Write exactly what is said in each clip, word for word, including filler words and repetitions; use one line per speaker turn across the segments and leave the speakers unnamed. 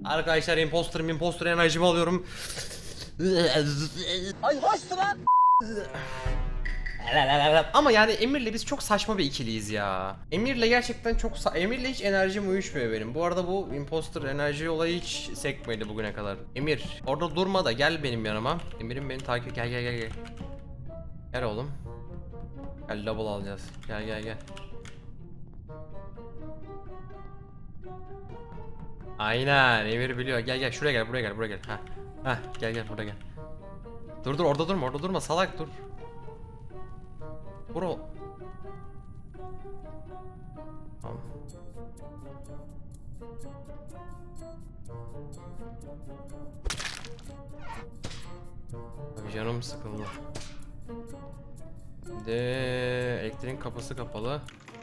Arkadaşlar imposter imposter enerjimi alıyorum. Ay hoştu lan. Ama yani Emir'le biz çok saçma bir ikiliyiz ya. Emir'le gerçekten çok Emir'le hiç enerjim uyuşmuyor benim. Bu arada bu imposter enerji olayı hiç sekmedi bugüne kadar. Emir orada durma da gel benim yanıma. Emir'im beni takip gel gel gel gel. Gel oğlum. Gel double alacağız. Gel gel gel. Aynen Emir biliyor. Gel gel şuraya gel buraya gel buraya gel. Ha. Ha gel gel buraya gel. Dur dur orada durma orada durma salak dur. Bro. Tamam. Abi canım sıkıldı. De elektriğin kapısı kapalı.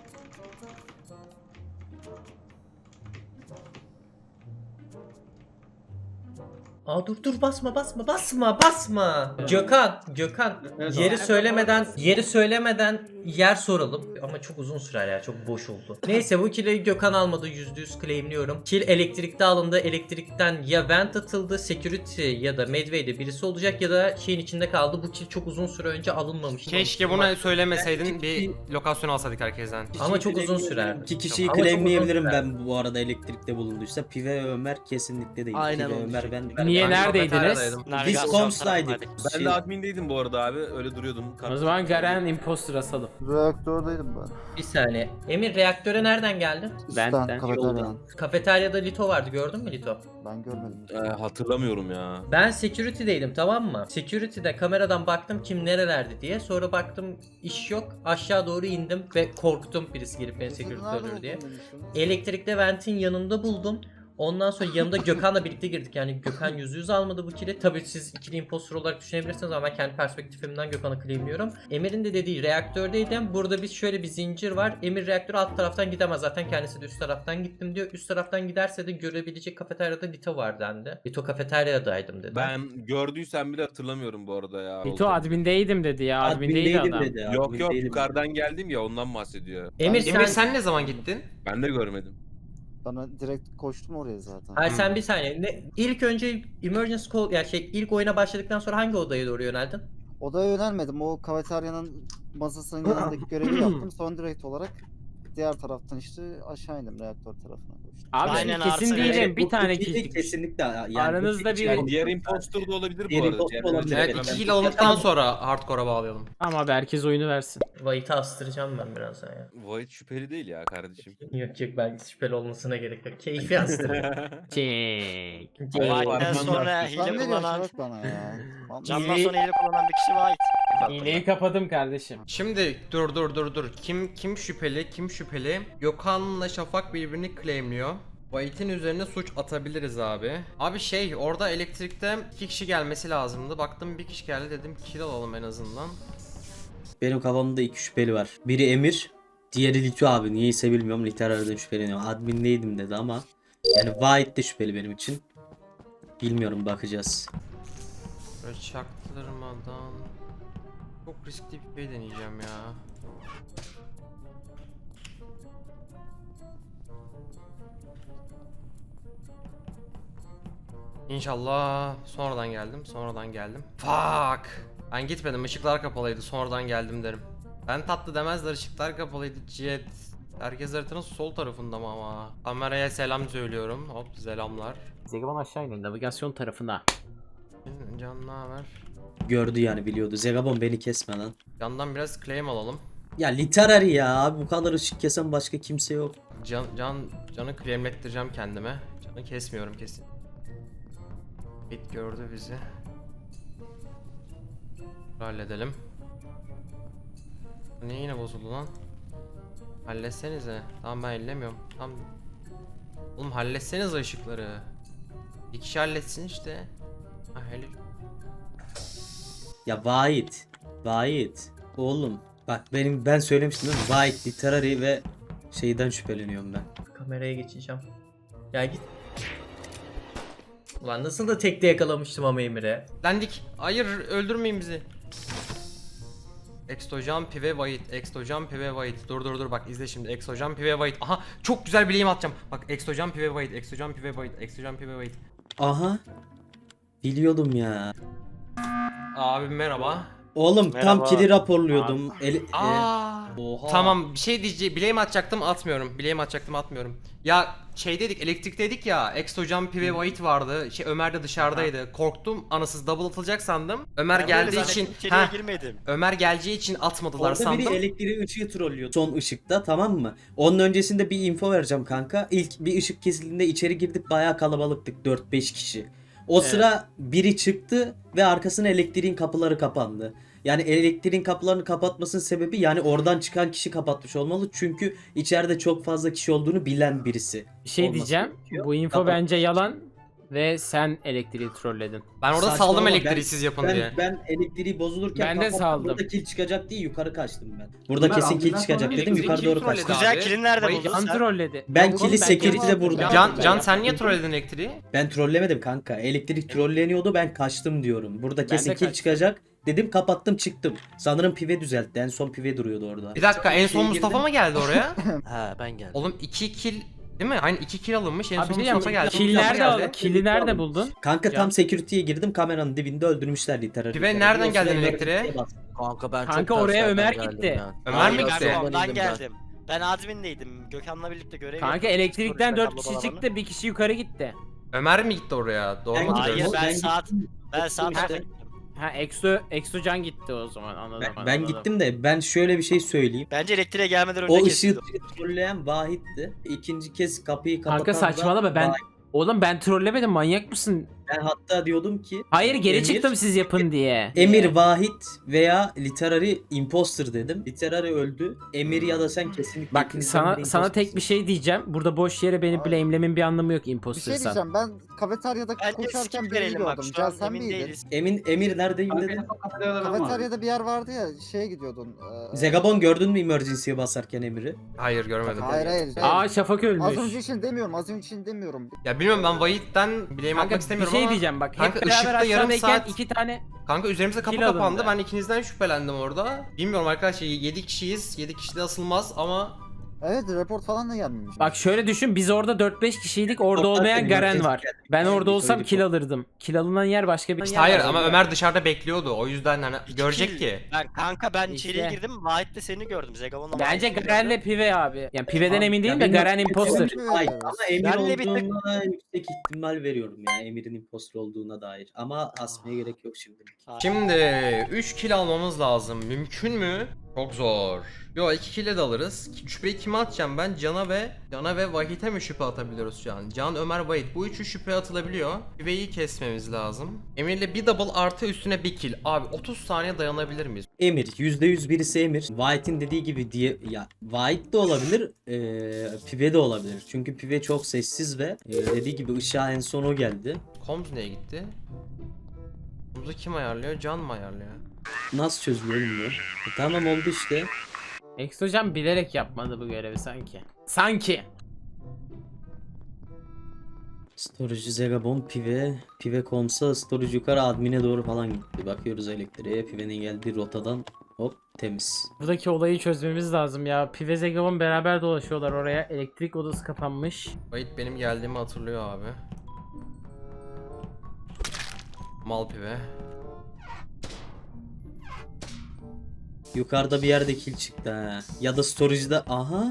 Aa dur dur basma basma basma basma. Gökhan, Gökhan yeri söylemeden yeri söylemeden yer soralım ama çok uzun sürer ya, çok boş oldu. Neyse bu kill'i Gökhan almadı, yüzde yüz claimliyorum. Kill elektrikte alındı. Elektrikten ya vent atıldı, security ya da medway'de birisi olacak ya da şeyin içinde kaldı. Bu kill çok uzun süre önce alınmamıştı.
Keşke bunu söylemeseydin, bir lokasyon alsaydık herkesten.
Ama çok uzun sürer.
İki kişiyi
Ama çok
claimleyebilirim
uzun
ben bu arada elektrikte bulunduysa. Pive ve Ömer kesinlikle değil.
Aynen
Pive
onu
Ömer ben.
Niye
Ben
neredeydiniz?
kafeteryadaydım.
Biz komsdaydık.
Ben
Şey-
de admindeydim bu arada abi. Öyle duruyordum.
O zaman Garen imposter asalım.
Reaktördeydim ben.
Bir saniye. Emir reaktöre nereden geldin?
Üstten,
Benden,
kafeteryadan.
Kafeteryada Lito vardı, gördün mü Lito?
Ben görmedim.
Ee, hatırlamıyorum ya.
Ben security'deydim, tamam mı? Security'de kameradan baktım kim nerelerde diye. Sonra baktım iş yok. Aşağı doğru indim ve korktum birisi gelip beni security'de öldürür diye. Elektrikte ventin yanında buldum. Ondan sonra yanımda Gökhan'la birlikte girdik. Yani Gökhan yüzde yüz almadı bu kill'i. Tabii siz ikili impostor olarak düşünebilirsiniz ama ben kendi perspektifimden Gökhan'ı claimliyorum. Emir'in de dediği reaktördeydim. Burada biz şöyle bir zincir var. Emir reaktörü alt taraftan gidemez. Zaten kendisi de üst taraftan gittim diyor. Üst taraftan giderse de görebilecek kafeteryada Lito var dendi. Lito kafeteryadaydım dedi.
Ben gördüysem bile hatırlamıyorum bu arada ya.
Bito admindeydim dedi ya. Admindeydi
Admindeydim
adam.
dedi.
Yok yok
admindeydim.
yukarıdan geldim ya, ondan bahsediyor.
Emir sen...
Emir sen ne zaman gittin?
Ben de görmedim.
Bana direkt koştum oraya zaten.
Hayır sen bir saniye. Ne, ilk önce emergency call, yani şey ilk oyuna başladıktan sonra hangi odaya doğru yöneldin?
Odaya yönelmedim. O kafeteryanın masasının yanındaki görevi yaptım. Son direkt olarak diğer taraftan işte aşağı indim, reaktör tarafına koştum.
Abi
Aynen,
şimdi kesin
Arsene.
değilim. Bir
Bu
tane
kesinlikle-
kill.
Kesinlikle yani.
Aranızda
bu-
bir-
Yani diğer impostor da olabilir bu
Diğer
arada.
impostor
Yani
olabilir.
Evet,
Evet,
iki
ben-
kill alındıktan sonra hardcore'a bağlayalım.
Ama abi herkes oyunu versin.
White'ı astıracağım ben birazdan ya.
Void şüpheli değil ya kardeşim.
Yok yok, belki şüpheli olmasına gerek yok. Keyfi astıracağım.
Çek.
White'den sonra
Sen
hile
ne diyorsun
kullanan,
Şarap bana ya? Vallahi-
candan sonra hile kullanan bir kişi White.
İğneyi kapadım kardeşim.
Şimdi dur dur dur dur. Kim kim şüpheli? Kim şüpheli? Gökhan'la Şafak birbirini claimliyor. White'in üzerine suç atabiliriz abi. Abi şey, orada elektrikte iki kişi gelmesi lazımdı. Baktım bir kişi geldi, dedim kill alalım en azından.
Benim kafamda iki şüpheli var. Biri Emir, diğeri Lito abi. Niyeyse bilmiyorum. Liter aradan şüpheleniyorum. Admindeydim dedi ama. Yani White de şüpheli benim için. Bilmiyorum, bakacağız.
Böyle çaktırmadan çok riskli bir şey deneyeceğim ya. İnşallah sonradan geldim, sonradan geldim. Fuck! Ben gitmedim, ışıklar kapalıydı, sonradan geldim derim. Ben tatlı demezler, ışıklar kapalıydı, jet. Herkes haritanın sol tarafında mı ama? Kameraya selam söylüyorum, hop selamlar.
Zegaban aşağı inin navigasyon tarafına.
Can ne haber?
Gördü yani, biliyordu. Zegabon beni kesme lan.
Candan biraz claim alalım.
Ya literary ya abi, bu kadar ışık kesen başka kimse yok.
Can, can, canı claimlettireceğim kendime. Canı kesmiyorum kesin. Bit gördü bizi. Halledelim. Niye yine bozuldu lan? Halletsenize. Tamam ben ellemiyorum. Tamam. Oğlum halletsenize ışıkları. Bir kişi halletsin işte. Ha hele.
Ya Vahit. Vahit. Oğlum. Bak benim, ben söylemiştim değil mi? Vahit, literary ve şeyden şüpheleniyorum ben.
Kameraya geçeceğim. Ya git. Ulan nasıl da tekte yakalamıştım ama Emir'e.
Lendik. Hayır öldürmeyin bizi. Exocan Pive White, Exocan Pive White. Dur dur dur bak izle şimdi. Exocan Pive White. Aha çok güzel bileğim atacağım. Bak Exocan Pive White, Exocan Pive White, Exocan Pive White.
Aha. Biliyordum ya.
Abi merhaba.
Oğlum tam
Merhaba.
kili raporluyordum. Eli, e,
Aa.
oha.
Tamam bir şey diyeceğim. Bileğimi atacaktım atmıyorum. Bileğimi atacaktım atmıyorum. Ya şey dedik elektrik dedik ya. Exocan Pive White vardı. Şey Ömer de dışarıdaydı. Korktum. Anasız double atılacak sandım. Ömer
Ben
geldiği
böyle
için
zannettim, içeriye
ha
girmedim.
Ömer geleceği için atmadılar
Orada
sandım.
biri elektriği ışığı trollüyordu. Son ışıkta, tamam mı? Onun öncesinde bir info vereceğim kanka. İlk bir ışık kesildiğinde içeri girdik, bayağı kalabalıktık, dört beş kişi. O
Evet.
sıra biri çıktı ve arkasına elektriğin kapıları kapandı. Yani elektriğin kapılarını kapatmasının sebebi, yani oradan çıkan kişi kapatmış olmalı. Çünkü içeride çok fazla kişi olduğunu bilen birisi.
Bir şey
olması
diyeceğim.
gerekiyor.
Bu info
Kapat.
bence yalan ve sen elektriği trolledin.
Ben orada
Saçmalama,
saldım
ben-
elektriği siz yapın
Ben,
diye.
ben elektriği bozulurken
Ben de
kapattım.
saldım.
Burada kill çıkacak diye yukarı kaçtım ben. Burada
Ömer,
kesin kill
ambulans
çıkacak
sonra
dedim,
elektriği
yukarı
kim
doğru
trolledi
kaçtım.
abi?
Güzel kilin nerede
Vay,
buldun
Yan
sen?
trolledi.
Ben
Oğlum,
kili
ben
security'de
yapmadım.
vurdum.
Ben
Can,
yapmadım.
Can sen niye trolledin elektriği?
Ben trollemedim kanka. Elektrik trolleniyordu, ben kaçtım diyorum. Burada kesin
de
kill
kaçtım.
çıkacak. Dedim, kapattım, çıktım. Sanırım pive düzeltti. En son pive duruyordu orada.
Bir dakika en son
Şey
Mustafa
girdim.
mı geldi oraya?
Ha ben geldim.
Oğlum iki kill değil mi? Aynen iki kill alınmış en
Abi
son
bir şey
Mustafa
diyeceğim.
geldi.
Kill
Mustafa
nerede
geldi.
aldın? Kill'i nerede buldun?
Kanka
Can.
tam security'ye girdim, kameranın dibinde öldürmüşler literal.
Pive nereden geldin elektriğe?
Kanka ben
Kanka oraya Ömer gitti.
Ömer mi
Hayır,
gitti?
Ben ondan geldim. Ben admindeydim. Gökhan'la birlikte görev
Kanka
yapıyorduk.
elektrikten
Sonra
dört kişi
kablo
çıktı, bir kişi yukarı gitti.
Ömer mi gitti oraya? Doğru
Ben
mu
gittim.
Hayır
hatırlıyorum?
ben,
Ben
saat
gittim.
ben saat
Ha.
üçte gittim.
Ha Exo Exocan gitti o zaman anladım.
Ben,
anladım.
ben gittim de ben şöyle bir şey söyleyeyim.
Bence elektriğe gelmeden önce
O ışığı
kesildi.
trolleyen Vahit'ti. İkinci kez kapıyı kapatan
Kanka
da
saçmalama ben.
Vahit.
Oğlum ben trollemedim, manyak mısın?
Ben hatta diyordum ki
Hayır geri
Emir-
çıktım siz yapın diye.
Emir Vahit veya Literary Imposter dedim. Literary öldü. Emir ya da sen kesinlikle
Bak
ikinizden
sana
biri
sana tek
impostersın.
bir şey diyeceğim. Burada boş yere beni
Abi.
blame'lemin bir anlamı yok
Bir şey
impostersan.
diyeceğim, ben kafeteryada
Bence
koşarken
skip
birini
verelim bak
gördüm.
şu
Can
an
sen
emin
miydin?
değiliz.
Emin Emir neredeyim
Abi,
dedin?
en son kafeteryada ben vardım.
Kafeteryada bir yer vardı ya, şeye gidiyordun. eee,
Zegabon gördün mü emergency'ye basarken Emir'i?
Hayır görmedim.
Hayır hayır.
Aa Şafak ölmüş.
Az önce için demiyorum, az önce için demiyorum.
Ya bilmiyorum ben Vahit'ten bileğimi
Kanka
atmak
bir
istemiyorum
şey
ama
diyeceğim bak.
Kanka,
Hep beraber
ışıkta yarım
aşağıdayken
saat-
iki tane.
kanka üzerimize kapı
Kill
kapandı.
alındı.
Ben ikinizden şüphelendim orada. Bilmiyorum arkadaşlar yedi kişiyiz. yedi kişi de asılmaz ama
Evet, report falan da gelmemiş.
Bak şöyle düşün, biz orada dört beş kişiydik, orada
Reportlar
olmayan
benim,
Garen
herkes
var.
geldi.
Ben orada
Bir
olsam
report.
kill alırdım. Kill alınan yer başka bir
işte
yer
hayır
var.
ama Ömer dışarıda bekliyordu. O yüzden hani
İki
görecek
kill.
ki.
Ben kanka ben
İşte.
içeriye girdim. Vahit de seni gördüm. Zegabon'la
Bence
Vahit'i
Garen'le
gördüm.
Pive abi. Yani Pive'den
Abi,
emin değilim
ya
de
benim-
Garen imposter.
Emir-
Hayır ama Emir
Benle bir tık-
olduğuna yüksek ihtimal veriyorum ya. Emir'in imposter olduğuna dair. Ama asmaya gerek yok şimdilik.
Şimdi üç kill almamız lazım. Mümkün mü? Çok zor. Yo iki kill'e de alırız. Şüpheyi kime atacağım ben? Can'a ve Can'a ve Vahit'e mi şüphe atabiliyoruz şu an? Can, Ömer, Vahit. Bu üçü şüphe atılabiliyor. Şüpheyi kesmemiz lazım. Emir'le bir double artı üstüne bir kill. Abi otuz saniye dayanabilir miyiz?
Emir. yüzde yüz birisi Emir. White'in dediği gibi diye ya White de olabilir. Eee Pive de olabilir. Çünkü Pive çok sessiz ve e, dediği gibi ışığa en son o geldi.
Combs neye gitti? Combs'u kim ayarlıyor? Can mı ayarlıyor?
Nasıl çözülüyor bilmiyorum. E, tamam oldu işte.
Exocan bilerek yapmadı bu görevi sanki. Sanki.
Storage Zegabon Pive. Pive komsa storage yukarı admine doğru falan gitti. Bakıyoruz elektriğe. Pive'nin geldiği rotadan hop temiz.
Buradaki olayı çözmemiz lazım ya. Pive Zegabon beraber dolaşıyorlar oraya. Elektrik odası kapanmış.
Vahit benim geldiğimi hatırlıyor abi. Mal pive.
Yukarıda bir yerde kill çıktı ha. Ya da storage'da aha.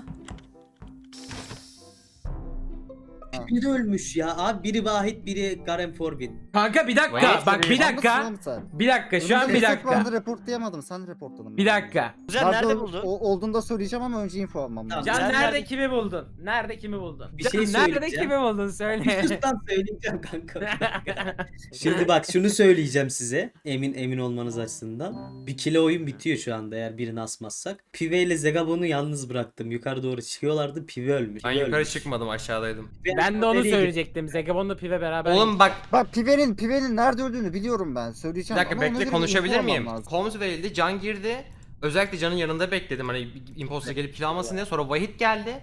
Biri ölmüş ya. Abi biri Vahit, biri Garen Forbin.
Kanka bir dakika.
Vay,
Bak bir
Anlasın
dakika.
oğlum sen.
Bir dakika şu an bir dakika.
Ben de reportlayamadım, sen reportladın.
Bir dakika.
Kuzen
Nerede
nerede
ol-
buldun?
o- olduğunda söyleyeceğim ama önce info almam lazım.
Can
Sen
nerede,
nerede-
kimi buldun? Nerede kimi buldun?
Bir
Can,
şey
nerede
söyleyeceğim.
kimi buldun söyle.
Üstten söyleyeceğim kanka. Şimdi bak şunu söyleyeceğim size. Emin emin olmanız açısından. Bir kilo oyun bitiyor şu anda eğer birini asmazsak. Pive ile Zegabon'u yalnız bıraktım. Yukarı doğru çıkıyorlardı. Pive ölmüş.
Ben
Pive
yukarı
ölmüş.
çıkmadım aşağıdaydım.
Ben de onu
Nereye
söyleyecektim. Zegabon'la Pive beraber.
Oğlum bak
Bak Pive'nin Pive'nin nerede öldüğünü biliyorum ben.
bir
Söyleyeceğim
dakika
ama ona
bekle
göre
konuşabilir
info almam
miyim?
lazım.
Combs verildi, Can girdi. Özellikle Can'ın yanında bekledim hani imposter gelip kill almasın diye. Sonra Vahit geldi.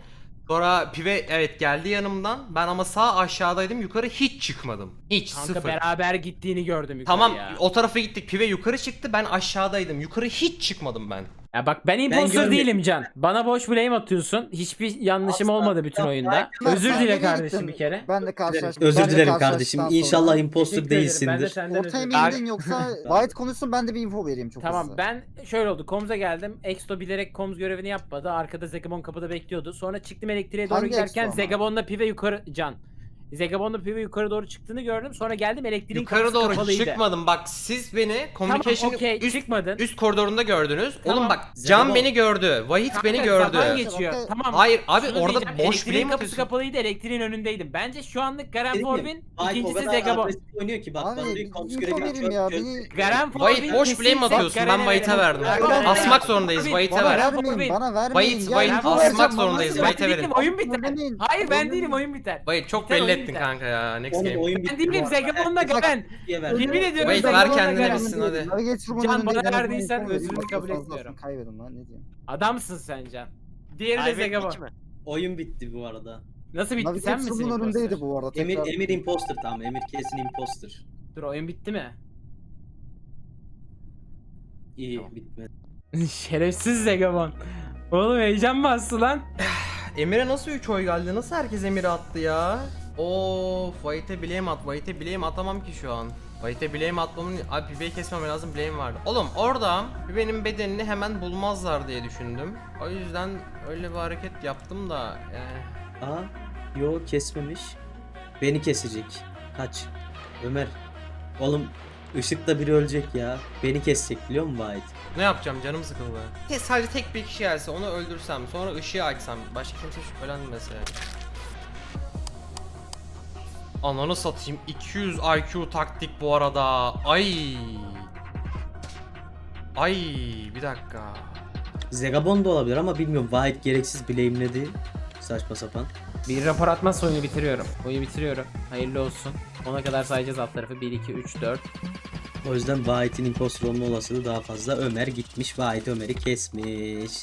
Sonra Pive evet geldi yanımdan. Ben ama sağ aşağıdaydım. Yukarı hiç çıkmadım. Hiç
Kanka
sıfır.
beraber gittiğini gördüm yukarı
Tamam
ya.
o tarafa gittik. Pive yukarı çıktı. Ben aşağıdaydım. Yukarı hiç çıkmadım ben.
Ya bak ben imposter
görmedim.
değilim Can. Bana boş blame atıyorsun. Hiçbir yanlışım
Asla.
olmadı bütün
Ya,
oyunda.
Ben-
Özür
ben
dile
nereye
kardeşim
gittim?
bir kere.
Ben de karşılaştım.
Özür
ben de
dilerim
karşılaştıktan
kardeşim.
sonra-
İnşallah imposter
Teşekkür ederim. Ben de
değilsindir.
senden
Ortaya
özür
mı
dilerim.
indin yoksa White konuşsun ben de bir info vereyim çok
Tamam
hızlı.
ben şöyle oldu. Koms'a geldim. Exto bilerek Koms görevini yapmadı. Arkada Zegabon kapıda bekliyordu. Sonra çıktım elektriğe doğru
Hangi
giderken
Exto ama?
Zegabon'la Pive yukarı Can. Zegabon'la Pive yukarı doğru çıktığını gördüm. Sonra geldim elektriğin
Yukarı
kapısı
doğru
kapalıydı.
çıkmadım. Bak siz beni
Tamam
communication
okey
üst,
çıkmadın.
üst koridorunda gördünüz.
Tamam.
Oğlum bak
Zegabon-
Can beni gördü. Vahit
Kanka,
beni gördü.
zaman geçiyor.
Okey.
Tamam.
Hayır abi
Şunu
orada
diyeceğim,
boş
elektriğin
blame
kapısı
atıyorsun.
kapalıydı, elektriğin önündeydim. Bence şu anlık Garen
Dedim ya,
Forbin,
White o
ikincisi
kadar
Zegabon.
agresif oynuyor ki bak bana
Abi
diyor koms
info
görevi
vereyim
çöp
ya.
çöp.
Beni...
Garen Forbin
Vahit boş blame
kesinlikle
atıyorsun. Ben
Garen'e
Vahit'e
verelim.
verdim.
Garen'e
Asmak
verelim.
zorundayız.
Abi,
Vahit'e
Bana
ver.
Garen
vermeyin,
Forbin.
bana vermeyin.
Vahit,
Ya,
Vahit,
info
asmak
vereceğim,
zorundayız,
bana
Vahit'e
vermeyin.
verin.
Oyun biter.
Vermeyin.
Hayır ben
Vermeyin.
değilim oyun biter.
Vahit çok
Biter,
belli
oyun
ettin
biter.
kanka ya. Next
Oğlum
game.
oyun
Ben
bitti
değilim
bu arada.
Zegabon'la Garen.
diye ver.
Yemin ediyorum
Wait,
Zegabon'la
ver kendine
Garen.
bilsin hadi.
Navigator'umun
Can,
önündeydi,
bana
ben
verdiysen
info
özrünü
vereyim.
kabul
Fazla
etmiyorum.
Kaybedin lan ne diyeyim.
Adamsın sen Can. Diğeri de
Kaybettik
Zegabon.
mi?
Oyun bitti bu arada.
Nasıl bitti sen misin
Navigator'umun
imposter?
önündeydi bu arada.
Emir
Tekrar...
Emir imposter tamam. Emir kesin imposter.
Dur oyun bitti mi?
İyi
Tamam.
bitmedi.
Şerefsiz Zegabon. Oğlum heyecan bastı lan.
Emir'e nasıl üç oy geldi? Nasıl herkes Emir'e attı ya? Of, Vahit'e blame at. Vahit'e blame atamam ki şu an. Vahit'e blame atmamın... Abi Pive'yi kesmem lazım, blame vardı. Oğlum orada Pive'nin bedenini hemen bulmazlar diye düşündüm. O yüzden öyle bir hareket yaptım da yani...
Aa yo kesmemiş. Beni kesecek. Kaç. Ömer. Oğlum ışıkta biri ölecek ya. Beni kesecek biliyor musun Vahit?
Ne yapacağım, canım sıkıldı. Te- Sadece tek bir kişi gelse onu öldürsem, sonra ışığı açsam, başka kimse şüphelenmese. Ananı satayım, iki yüz I Q taktik bu arada. Ay. Ay bir dakika.
Zegabon da olabilir ama bilmiyorum. Vahit gereksiz blame'ledi. Saçma sapan.
Bir rapor atmazsa oyunu bitiriyorum. Oyunu bitiriyorum. Hayırlı olsun. Ona kadar sayacağız alt tarafı. bir, iki, üç, dört.
O yüzden Vahit'in imposter olma olasılığı daha fazla. Ömer gitmiş. Vahit Ömer'i kesmiş.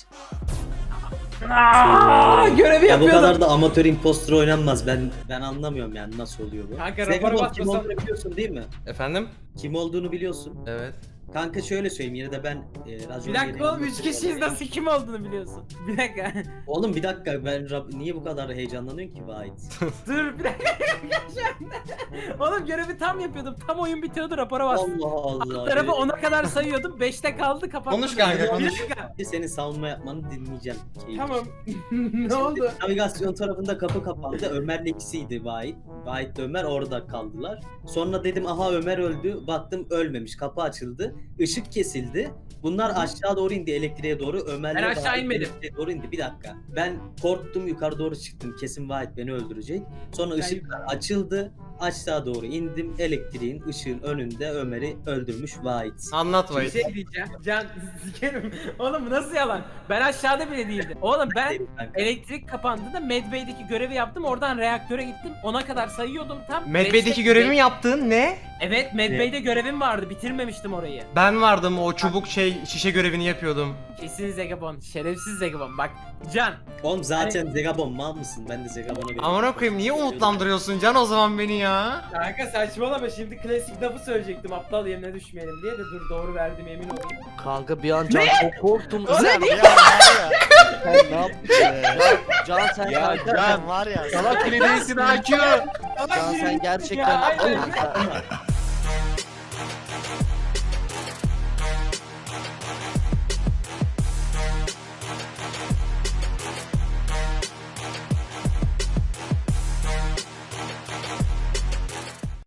Aaaa görevi
Ya bu
yapıyordum.
kadar da amatör imposter oynanmaz. Ben ben anlamıyorum yani nasıl oluyor bu.
Kanka,
Zegabon
rapora
kim
basmasam-
olduğunu biliyorsun değil mi?
Efendim?
Kim olduğunu biliyorsun.
Evet.
Kanka şöyle söyleyeyim yine de ben e, racon
Bir dakika
gereği
oğlum üç
imposter
kişiyiz
olayım.
nasıl kim olduğunu biliyorsun. Bir dakika.
Oğlum bir dakika ben Rab- niye bu kadar heyecanlanıyorsun ki Vahit?
Dur bir dakika. Oğlum görevi tam yapıyordum. Tam oyun bitiyordu rapora bastım.
Allah Allah.
Alt tarafı ona kadar sayıyordum. beşte kaldı kapattım.
Konuş kanka,
Bir
konuş.
dakika.
Senin savunma yapmanı dinleyeceğim. Keyif.
Tamam. Ne oldu?
Navigasyon tarafında kapı kapandı. Ömer'le ikisiydi Vahit. Vahit de Ömer orada kaldılar. Sonra dedim aha Ömer öldü. Baktım ölmemiş. Kapı açıldı. Işık kesildi. Bunlar aşağı doğru indi elektriğe doğru. Ömer'le
Ben aşağı
Vahit
inmedim.
elektriğe doğru indi. Bir dakika. Ben korktum yukarı doğru çıktım. Kesin Vahit beni öldürecek. Sonra
Ben-
ışıklar açıldı. Aşağı doğru indim. Elektriğin ışığın önünde Ömer'i öldürmüş Vahit.
Anlat
Bir
Vahit.
şey diyeceğim. Can sikerim. Oğlum bu nasıl yalan? Ben aşağıda bile değildim. Oğlum ben
Kanka.
elektrik kapandığında Medbay'deki görevi yaptım. Oradan reaktöre gittim. Ona kadar sayıyordum tam.
Medbay'deki
Beşte-
görevimi yaptın ne?
Evet Medbay'de görevim vardı. Bitirmemiştim orayı.
Ben vardım o çubuk şey şişe görevini yapıyordum.
Kesin Zegabon. Şerefsiz Zegabon. Bak Can.
Oğlum zaten Zegabon mal mısın? Ben de Zegabon'a veriyorum.
Amına koyayım niye umutlandırıyorsun Can o zaman beni ya?
Kanka saçmalama şimdi klasik lafı söyleyecektim aptal yerine düşmeyelim diye de dur doğru verdim emin olayım.
Kanka bir an Can çok korktum.
Sen ya var ya.
Sen ne yaptın ya?
Can sen
Ya
kanka
Can.
sen var ya.
Salak bile değilsin I Q.
Can sen gerçekten...
Ya, aynen.
Oğlum,